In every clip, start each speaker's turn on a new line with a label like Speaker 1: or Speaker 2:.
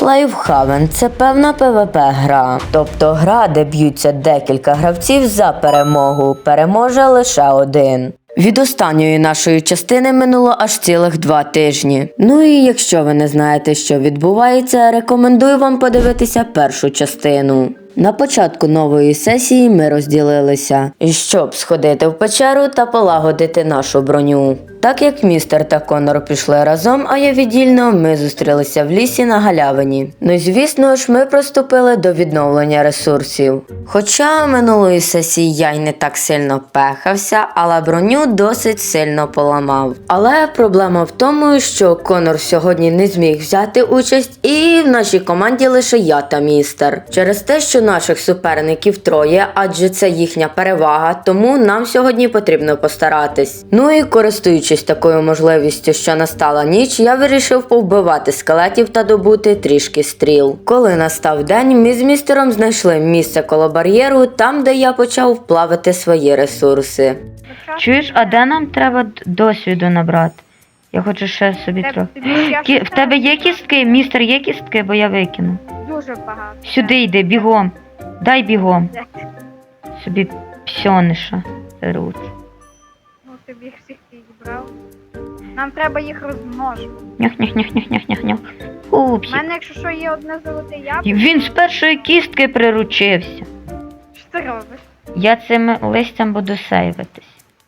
Speaker 1: Lifehaven – це певна PvP-гра, тобто гра, де б'ються декілька гравців за перемогу, переможе лише один. Від останньої нашої частини минуло аж цілих 2 тижні. Ну і якщо ви не знаєте, що відбувається, рекомендую вам подивитися першу частину. На початку нової сесії ми розділилися, щоб сходити в печеру та полагодити нашу броню. Так як містер та Конор пішли разом, а я віддільно, ми зустрілися в лісі на галявині. Ну і звісно ж, ми приступили до відновлення ресурсів. Хоча минулої сесії я й не так сильно пехався, але броню досить сильно поламав. Але проблема в тому, що Конор сьогодні не зміг взяти участь, і в нашій команді лише я та містер. Через те, що наших суперників троє, адже це їхня перевага, тому нам сьогодні потрібно постаратись. Ну і користуючись такою можливістю, що настала ніч, я вирішив повбивати скелетів та добути трішки стріл. Коли настав день, ми з містером знайшли місце коло бар'єру, там, де я почав плавити свої ресурси.
Speaker 2: Чуєш, а де нам треба досвіду набрати? Я хочу ще собі трохи. В тебе є кістки? Містер, є кістки, бо я викину.
Speaker 3: Дуже багато.
Speaker 2: Сюди йди, бігом. Дай бігом. Собі псьониша беруть.
Speaker 3: Ну тобі їх всіх підібрав. Нам треба їх розмножувати.
Speaker 2: Нях-нях-нях-нях-нях-нях.
Speaker 3: У
Speaker 2: Пупсик.
Speaker 3: мене, якщо що, є одне золоте яблуко.
Speaker 2: Він з першої кістки приручився.
Speaker 3: Що ти робиш?
Speaker 2: Я цим листям буду сейвитись.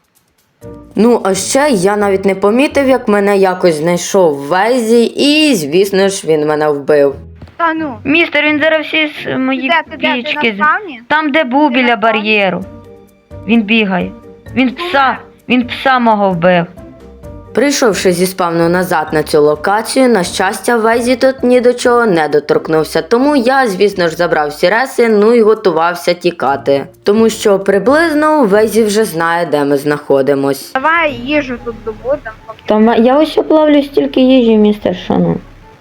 Speaker 1: Ну, а ще я навіть не помітив, як мене якось знайшов Вейзі, і, звісно ж, він мене вбив.
Speaker 3: Та ну.
Speaker 2: Містер, він зараз всі мої
Speaker 3: Ти на
Speaker 2: пічки.
Speaker 3: спавні?
Speaker 2: Там, де був
Speaker 3: Ти
Speaker 2: біля
Speaker 3: на спавні?
Speaker 2: бар'єру. Він бігає. Він пса мого вбив.
Speaker 1: Прийшовши зі спавну назад на цю локацію, на щастя, Вейзі тут ні до чого не доторкнувся, тому я, звісно ж, забрав всі реси, ну і готувався тікати. Тому що приблизно Вейзі вже знає, де ми знаходимось.
Speaker 3: Давай їжу тут добудемо.
Speaker 2: Там я ось плавлю стільки їжі, містер Шану.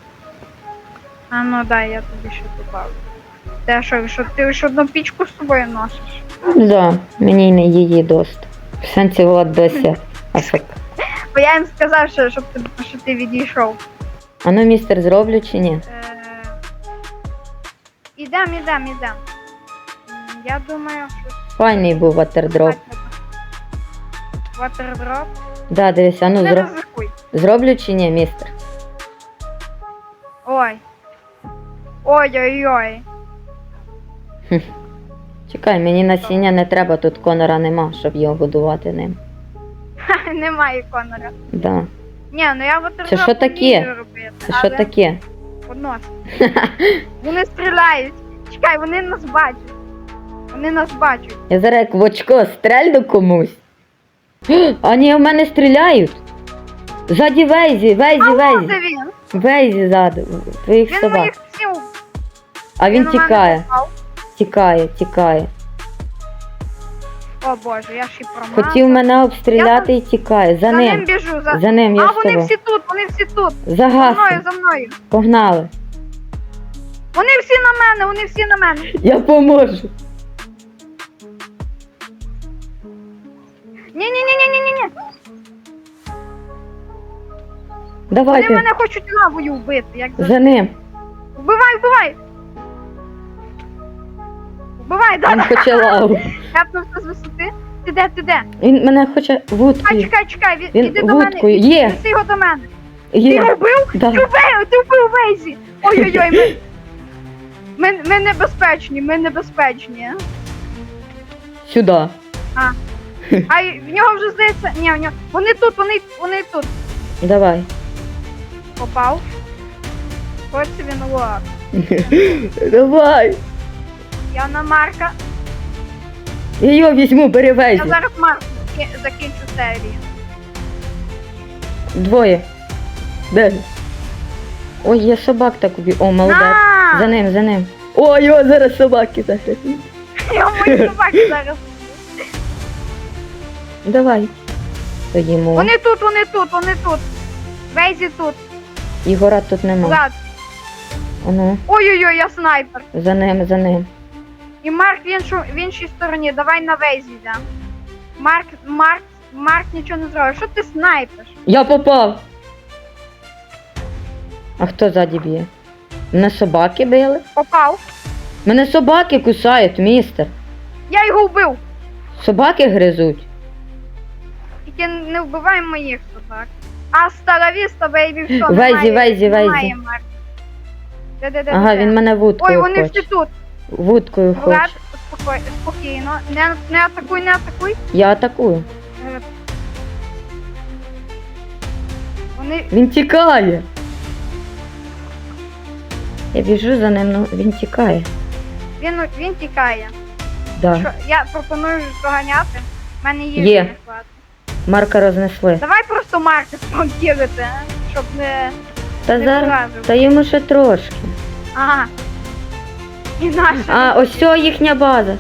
Speaker 3: А ну дай, я тобі ще добавлю. Те, що ти ж одну пічку з собою носиш?
Speaker 2: Да, мені не її дост. В сенсі Влад досі.
Speaker 3: Бо я їм сказав, що ти відійшов.
Speaker 2: А ну, містер, зроблю чи ні?
Speaker 3: Ідем. Я думаю, що...
Speaker 2: Файний був ватердроп.
Speaker 3: Ватердроп?
Speaker 2: Да, дивись, а ну
Speaker 3: Не ризикуй.
Speaker 2: зроблю чи ні, містер?
Speaker 3: Ой. Ой-ой-ой.
Speaker 2: Чекай, мені насіння не треба, тут Конора нема, щоб його годувати ним.
Speaker 3: Ха, немає Конора.
Speaker 2: Да.
Speaker 3: Ні, ну я ватердроп
Speaker 2: Це що таке?
Speaker 3: вмію робити.
Speaker 2: Це що таке?
Speaker 3: Поднос. Вони стріляють. Чекай, вони нас бачать.
Speaker 2: Я зараз як в очко стрельну комусь. А ні, в мене стріляють. Ззаді Вейзі.
Speaker 3: Де він?
Speaker 2: Вейзі ззаду. Твоїх
Speaker 3: Він
Speaker 2: собак.
Speaker 3: моїх всіх.
Speaker 2: А він
Speaker 3: у мене
Speaker 2: тікає.
Speaker 3: попав.
Speaker 2: Тікає.
Speaker 3: О боже, я ж і промазав.
Speaker 2: Хотів мене обстріляти і тікає. За
Speaker 3: ним
Speaker 2: ним.
Speaker 3: біжу.
Speaker 2: За ним, я
Speaker 3: А,
Speaker 2: з тобою.
Speaker 3: вони всі тут. За
Speaker 2: Загас.
Speaker 3: мною.
Speaker 2: Погнали.
Speaker 3: Вони всі на мене.
Speaker 2: Я поможу.
Speaker 3: Ні. Вони
Speaker 2: Давайте.
Speaker 3: мене хочуть лавою вбити. Як
Speaker 2: За ним.
Speaker 3: Вбивай. Вбивай,
Speaker 2: Він
Speaker 3: да.
Speaker 2: хоче лаву.
Speaker 3: Хепнувся з висоти. Ти де?
Speaker 2: Він мене хоче вудкою.
Speaker 3: Чекай,
Speaker 2: Він
Speaker 3: іди до мене.
Speaker 2: вудкою. Є.
Speaker 3: Неси його до мене. Ти
Speaker 2: Є.
Speaker 3: його вбив?
Speaker 2: Да.
Speaker 3: Ти вбив Вейзі. Ой-ой-ой, ми небезпечні.
Speaker 2: Сюди.
Speaker 3: А в нього вже здається, в нього. Вони тут.
Speaker 2: Давай.
Speaker 3: Попав. Ось він лак.
Speaker 2: Давай.
Speaker 3: Я на Марка.
Speaker 2: Я його візьму, бери
Speaker 3: Я
Speaker 2: Вейзі.
Speaker 3: зараз Марк закінчу серію.
Speaker 2: Двоє. Де? Ой, я собак так уб'ю. О, молодець.
Speaker 3: На!
Speaker 2: За ним. Ой, його зараз собаки загребуть.
Speaker 3: Я мої собаки зараз.
Speaker 2: Давай. Стоїмо.
Speaker 3: Вони тут. Вейзі тут.
Speaker 2: Ігора тут нема.
Speaker 3: Влад.
Speaker 2: Ану,
Speaker 3: Ой-ой-ой, я снайпер.
Speaker 2: за ним.
Speaker 3: І Марк в іншій стороні. Давай на Вейзі йдем. Марк нічого не зробив. Що ти снайпиш?
Speaker 2: Я попав. А хто ззаді б'є? Мене собаки били?
Speaker 3: Попав.
Speaker 2: Мене собаки кусають, містер.
Speaker 3: Я його вбив.
Speaker 2: Собаки гризуть.
Speaker 3: Тільки не вбивай моїх собак. Астра ла віста, бейбі, все,
Speaker 2: Вейзі, Вейзі,
Speaker 3: немає
Speaker 2: Вейзі.
Speaker 3: Марка. Де?
Speaker 2: Ага, він мене
Speaker 3: Ой,
Speaker 2: вудкою
Speaker 3: вони
Speaker 2: хоче.
Speaker 3: всі тут.
Speaker 2: Вудкою
Speaker 3: Влад,
Speaker 2: хоче.
Speaker 3: спокійно. Не атакуй, не атакуй.
Speaker 2: Я атакую.
Speaker 3: Е, Вони...
Speaker 2: Він тікає. Я біжу за ним, ну він тікає.
Speaker 3: Він тікає.
Speaker 2: Да.
Speaker 3: Що, я пропоную доганяти. У мене їжі
Speaker 2: Є.
Speaker 3: не хватить.
Speaker 2: Марка рознесли.
Speaker 3: Давай просто Марка спонкірити, щоб не...
Speaker 2: Та
Speaker 3: не
Speaker 2: зараз.
Speaker 3: вразив.
Speaker 2: Та йому ще трошки.
Speaker 3: Ага. І наша.
Speaker 2: А, ось ця їхня база.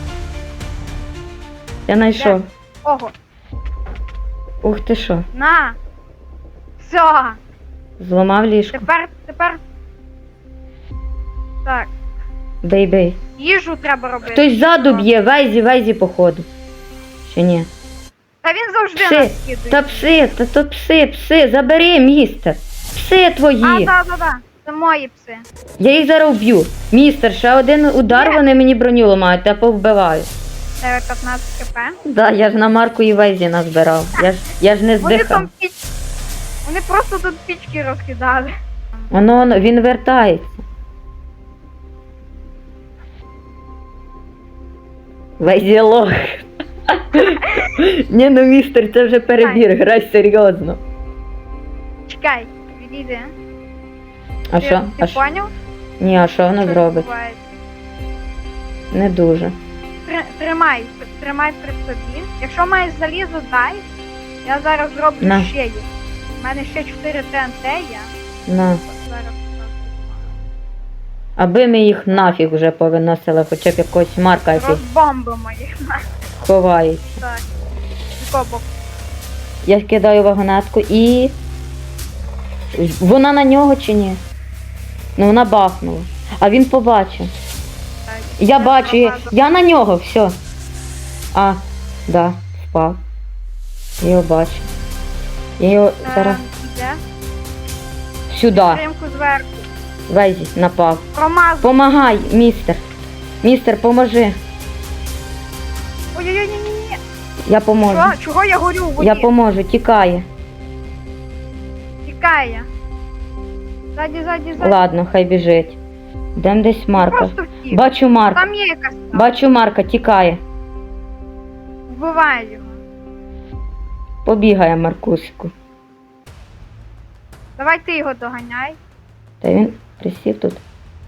Speaker 2: Я знайшов.
Speaker 3: Ого.
Speaker 2: Ух ти що.
Speaker 3: На. Все.
Speaker 2: Зламав ліжко.
Speaker 3: Тепер. Так.
Speaker 2: Бей-бей.
Speaker 3: Їжу треба робити.
Speaker 2: Хтось ззаду б'є, Вейзі, походу. Чи ні?
Speaker 3: Та він завжди
Speaker 2: Пси.
Speaker 3: нас кидає.
Speaker 2: Та пси, то пси, забери, містер. Пси твої.
Speaker 3: Да. Це мої пси.
Speaker 2: Я їх зараз вб'ю. Містер, ще один удар,
Speaker 3: Ні.
Speaker 2: вони мені броню ламають, я повбиваю.
Speaker 3: Тебе 15 кп.
Speaker 2: Да, я ж на Марку і Вейзі назбирав. Я ж не
Speaker 3: Вони
Speaker 2: здихав.
Speaker 3: там Вони просто тут пічки розкидали.
Speaker 2: Воно, він вертається. Вейзі лох. Ні, ну містер, це вже перебір, грай серйозно.
Speaker 3: Чекай, відійди.
Speaker 2: А що?
Speaker 3: Ти поняв?
Speaker 2: Ні, а що воно
Speaker 3: Що
Speaker 2: зробить?
Speaker 3: відбувається?
Speaker 2: Не дуже.
Speaker 3: Тримай при собі. Якщо маєш залізо, дай. Я зараз зроблю
Speaker 2: На.
Speaker 3: ще їх. У мене ще 4 ТНТ є.
Speaker 2: На.
Speaker 3: Зараз.
Speaker 2: Аби ми їх нафіг вже повиносили, хоча б якогось Марка, який
Speaker 3: Розбомбимо їх.
Speaker 2: ховається.
Speaker 3: Так. З якого боку?
Speaker 2: Я кидаю вагонетку і... Вона на нього чи ні? Ну вона бахнула. А він побачив.
Speaker 3: Так.
Speaker 2: Я бачу, я на нього, все. А, да, впав. Я його бачу. Я його зараз
Speaker 3: Іде.
Speaker 2: сюди.
Speaker 3: Тримку зверху.
Speaker 2: Вейзі, напав.
Speaker 3: Промазав.
Speaker 2: Помагай, містер. Містер, поможи.
Speaker 3: Ой-ой-ой, ні.
Speaker 2: Я поможу.
Speaker 3: Що? Чого я горю в воді?
Speaker 2: Я поможу, тікає.
Speaker 3: Тікає. Ззаді.
Speaker 2: Ладно, хай біжить. Дем десь Марка.
Speaker 3: Просто втік.
Speaker 2: Бачу Марка.
Speaker 3: Там є якась там.
Speaker 2: Бачу Марка, тікає.
Speaker 3: Вбиває його.
Speaker 2: Побігає Маркусику.
Speaker 3: Давай ти його доганяй.
Speaker 2: Та він присів тут.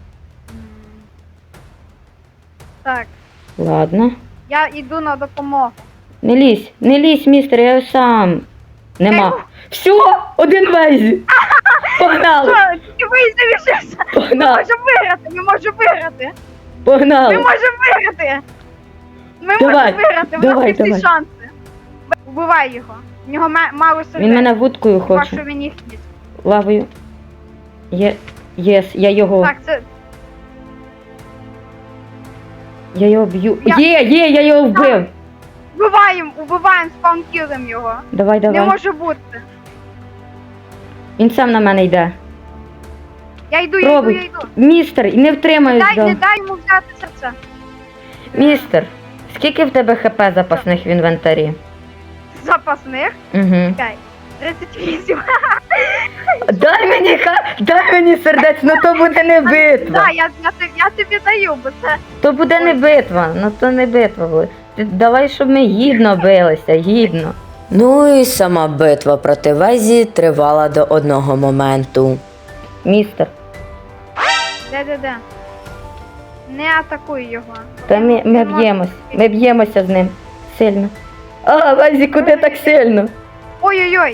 Speaker 3: Так.
Speaker 2: Ладно.
Speaker 3: Я йду на допомогу.
Speaker 2: Не лізь, містер, я сам. Нема. Все, один Вейзі. Погнали,
Speaker 3: Що, тільки вийшовся. Ми
Speaker 2: погнали,
Speaker 3: можемо виграти, ми можемо виграти. Ми
Speaker 2: погнали.
Speaker 3: можемо виграти. Ми
Speaker 2: Давай,
Speaker 3: можемо виграти, в
Speaker 2: давай,
Speaker 3: нас є всі
Speaker 2: давай.
Speaker 3: шанси. Вбивай його. В нього мало сердець.
Speaker 2: Він мене вудкою
Speaker 3: Хіба
Speaker 2: хоче.
Speaker 3: що він їх їсть.
Speaker 2: Лавою. Єс, я його.
Speaker 3: Так, це
Speaker 2: Я його б'ю.
Speaker 3: Я-
Speaker 2: Я його вбив.
Speaker 3: убиваємо, спаункілим його.
Speaker 2: Давай.
Speaker 3: Не може бути.
Speaker 2: Він сам на мене йде.
Speaker 3: Я йду.
Speaker 2: Пробуй. Містер, не втримаюсь.
Speaker 3: Не дай йому взяти серце.
Speaker 2: Містер, скільки в тебе ХП запасних в інвентарі?
Speaker 3: Запасних.
Speaker 2: Угу.
Speaker 3: Чекай. 38.
Speaker 2: Дай мені сердець, ну то буде не битва.
Speaker 3: Так, я тобі даю, бо це
Speaker 2: То буде не битва, ну то не битва буде. Давай, щоб ми гідно билися, гідно.
Speaker 1: Ну і сама битва проти Вейзі тривала до одного моменту.
Speaker 2: Містер,
Speaker 3: де. Не атакуй його.
Speaker 2: та ми
Speaker 3: Він може-
Speaker 2: б'ємось. Ми б'ємося з ним сильно. А, Вейзі, куди так сильно?
Speaker 3: Ой-ой-ой.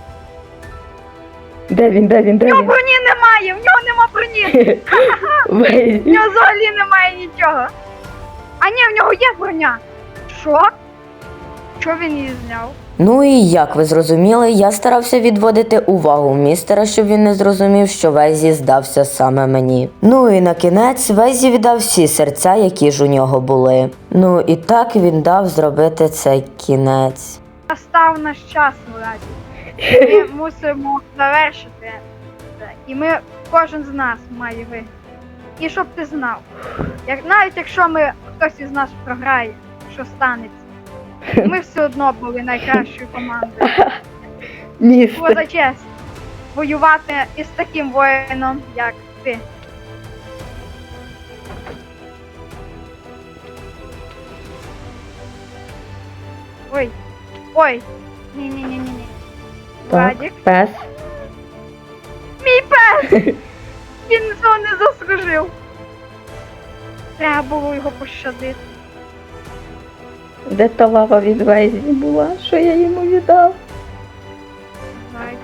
Speaker 2: Де він?
Speaker 3: В нього броні немає, в нього нема броні. В
Speaker 2: Вейзі.
Speaker 3: нього взагалі немає нічого. А ні, в нього є броня. Що? Що він її зняв?
Speaker 1: Ну і як ви зрозуміли, я старався відводити увагу містера, щоб він не зрозумів, що Вейзі здався саме мені. Ну і на кінець Вейзі віддав всі серця, які ж у нього були. Ну і так він дав зробити цей кінець.
Speaker 3: Настав наш час, Владі. Ми мусимо завершити це. І ми кожен з нас має виграти. І щоб ти знав, навіть якщо хтось із нас програє, що станеться, ми все одно були найкращою командою. Було за честь воювати із таким воїном, як ти. Ой, ой, ні. Владик,
Speaker 2: пес.
Speaker 3: мій пес! Він цього не заслужив. Треба було його пощадити.
Speaker 2: Де та лава від Вейзі була, що я йому віддав?
Speaker 3: Давай.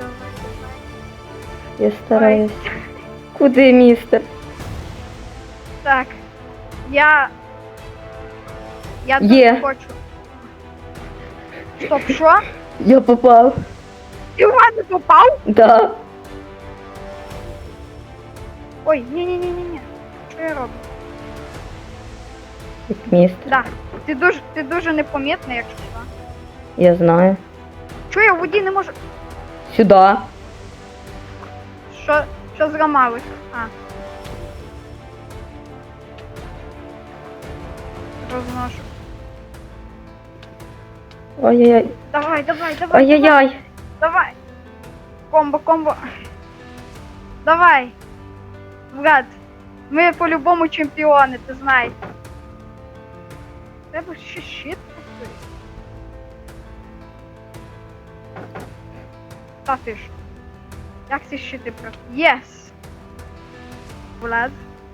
Speaker 2: Я стараюсь. Куди, містер?
Speaker 3: Так. Я
Speaker 2: Є.
Speaker 3: тут хочу. Стоп, що?
Speaker 2: Я попав.
Speaker 3: Ти в мене попав?
Speaker 2: Да.
Speaker 3: Ой, ні. Що я роблю?
Speaker 2: Як містер.
Speaker 3: Да. Ти дуже непомітний, якщо що.
Speaker 2: Я знаю.
Speaker 3: Чого я в воді не можу?
Speaker 2: Сюди.
Speaker 3: Що зламалось? Розношу.
Speaker 2: Ой-ой-ой.
Speaker 3: Давай.
Speaker 2: Ой-ой-ой.
Speaker 3: Давай. Комбо. Давай. Влад, ми по-любому чемпіони, ти знаєш. Треба ще щит купити. Та ти ж. Як ці щити про... Єс! Влад.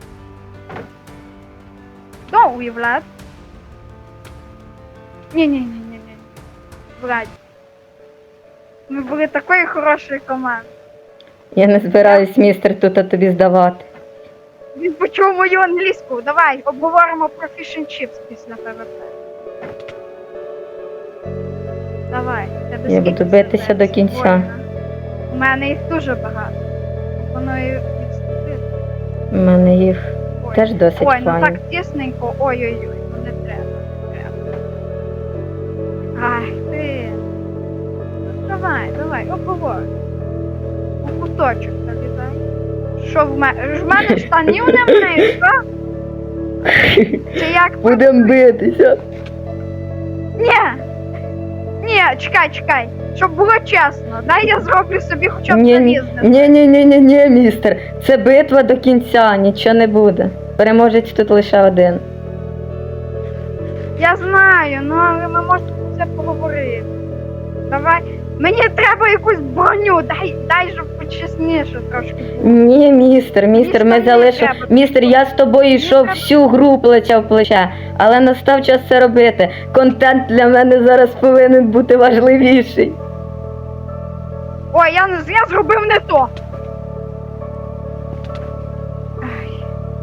Speaker 3: Доуй, Влад. Ні. Влад. Ми були такою хорошою командою.
Speaker 2: Я не збираюсь, містер, тут тобі здавати.
Speaker 3: Він почув мою англійську. Давай, обговоримо про Fish and Chips після ПВП. Давай. Тебе
Speaker 2: Я
Speaker 3: скільки
Speaker 2: буду битися
Speaker 3: сердець?
Speaker 2: до кінця.
Speaker 3: Воїна? У мене їх дуже багато. Пропоную відступити.
Speaker 2: У мене їх
Speaker 3: Ой.
Speaker 2: теж досить
Speaker 3: Ой, ну
Speaker 2: файно.
Speaker 3: так тісненько. Ой-ой-ой, ну не треба. Ах ти. Ну, давай, обговоримо. У куточок залізай. Що в мене? В мене штанів немає, що? Чи як?
Speaker 2: Будем битися.
Speaker 3: Ні, чекай. Щоб було чесно. Дай я зроблю собі хоча б
Speaker 2: Ні,
Speaker 3: залізне.
Speaker 2: ні, містер. Це битва до кінця, нічого не буде. Переможець тут лише один.
Speaker 3: Я знаю, ну але ми можемо про це поговорити. Давай. Мені треба якусь броню, дай щоб почесніше трошки було.
Speaker 2: Ні, містер, ми
Speaker 3: штани
Speaker 2: залишимо.
Speaker 3: треба.
Speaker 2: Містер, я з тобою йшов
Speaker 3: треба.
Speaker 2: всю гру плече в плече, але настав час це робити. Контент для мене зараз повинен бути важливіший.
Speaker 3: Ой, я зробив не то. Ай.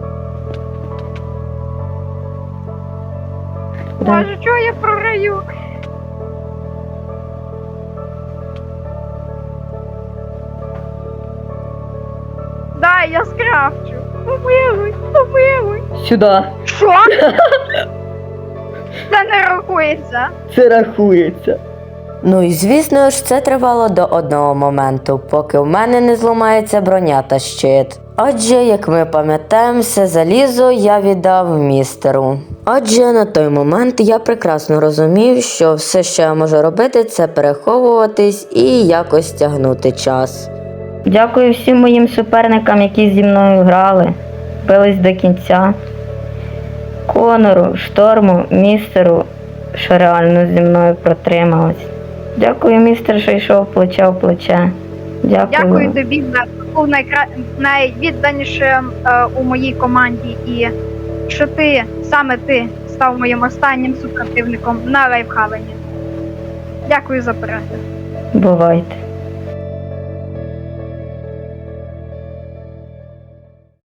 Speaker 2: Да.
Speaker 3: Боже, чого я програю? Дай, я скрафчу. Помилуй.
Speaker 2: Сюди.
Speaker 3: Що? Це не рахується.
Speaker 2: Це рахується.
Speaker 1: Ну і звісно ж, це тривало до одного моменту, поки в мене не зламається броня та щит. Адже, як ми пам'ятаємо, все залізо я віддав містеру. Адже на той момент я прекрасно розумів, що все, що я можу робити, це переховуватись і якось тягнути час.
Speaker 2: Дякую всім моїм суперникам, які зі мною грали, бились до кінця. Конору, Шторму, містеру, що реально зі мною протрималось. Дякую, містер, що йшов плече в плече.
Speaker 3: Дякую тобі, Влад. Був найвідданішим у моїй команді, і що саме ти став моїм останнім супротивником на лайфхавені. Дякую за перегляд.
Speaker 2: Бувайте.